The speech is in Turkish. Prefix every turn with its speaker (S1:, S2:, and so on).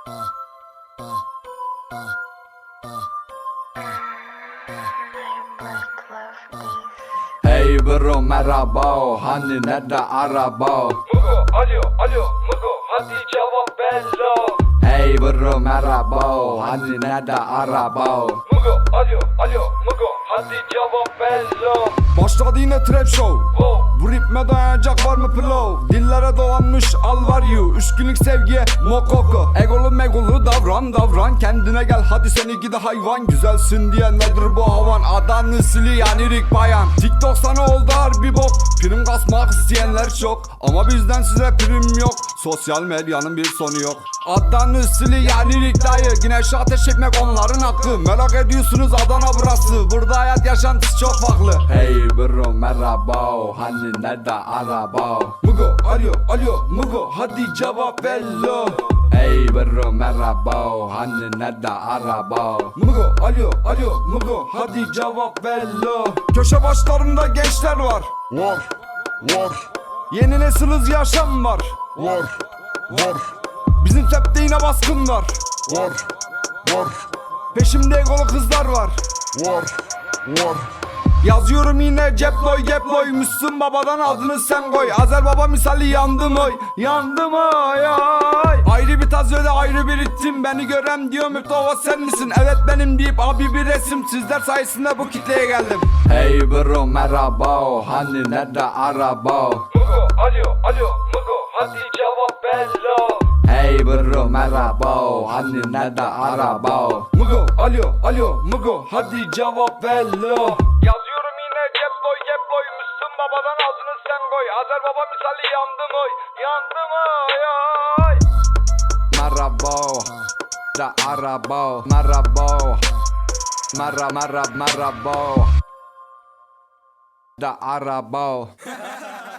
S1: Hey bro merhaba, hani nerede araba?
S2: Mugo alo Mugo hadi cevap bello.
S1: Hey bro merhaba, hani nerede araba?
S2: Mugo alo Mugo hadi cevap bello.
S3: Başladı yine trap show. Bu ritme dayanacak var mı pillow? Dillere dolanmış al var you. 3 günlük sevgiye mokoko. Egolu megolu davran. Kendine gel hadi seni gidi hayvan. Güzelsin diye nedir bu havan? Adanı sili yani Rick bayan. TikTok sana oldu harbi bok. Prim kasmak isteyenler çok, ama bizden size prim yok. Sosyal medyanın bir sonu yok. Adanı sili yani Rick dayı. Güneşe ateş etmek onların hakkı. Merak ediyorsunuz Adana burası. Burada hayat yaşantısı çok farklı.
S1: Hey bro merhaba, hani nerede araba?
S3: Mugo alo Mugo hadi cevap bello.
S1: Hey bro merhaba, hani nerede araba?
S3: Mugo alo Mugo hadi cevap bello. Köşe başlarında gençler var.
S4: Var.
S3: Yeni nesil hız yaşam var.
S4: Var.
S3: Bizim septe yine baskın var.
S4: Var.
S3: Peşimde egolu kızlar var.
S4: Var.
S3: Yazıyorum yine ceploy Müslüm babadan adını sen koy. Azer baba misali yandım oy. Ay. Ayrı bir taz öyle ayrı bir ritim. Beni gören diyor müptava sen misin? Evet benim deyip abi bir resim. Sizler sayesinde bu kitleye geldim.
S1: Hey bro merhaba, hani nerede araba?
S2: Mugo alo Mugo hadi cevap bello.
S1: Hey bro merhaba, hani nerede araba?
S3: Mugo alo Mugo hadi cevap bello. Yazıyorum yine ceploy Müslüm babadan adını sen koy. Azer baba misali yandım oy. Ay.
S1: Merhaba da araba, merhaba merhaba da araba.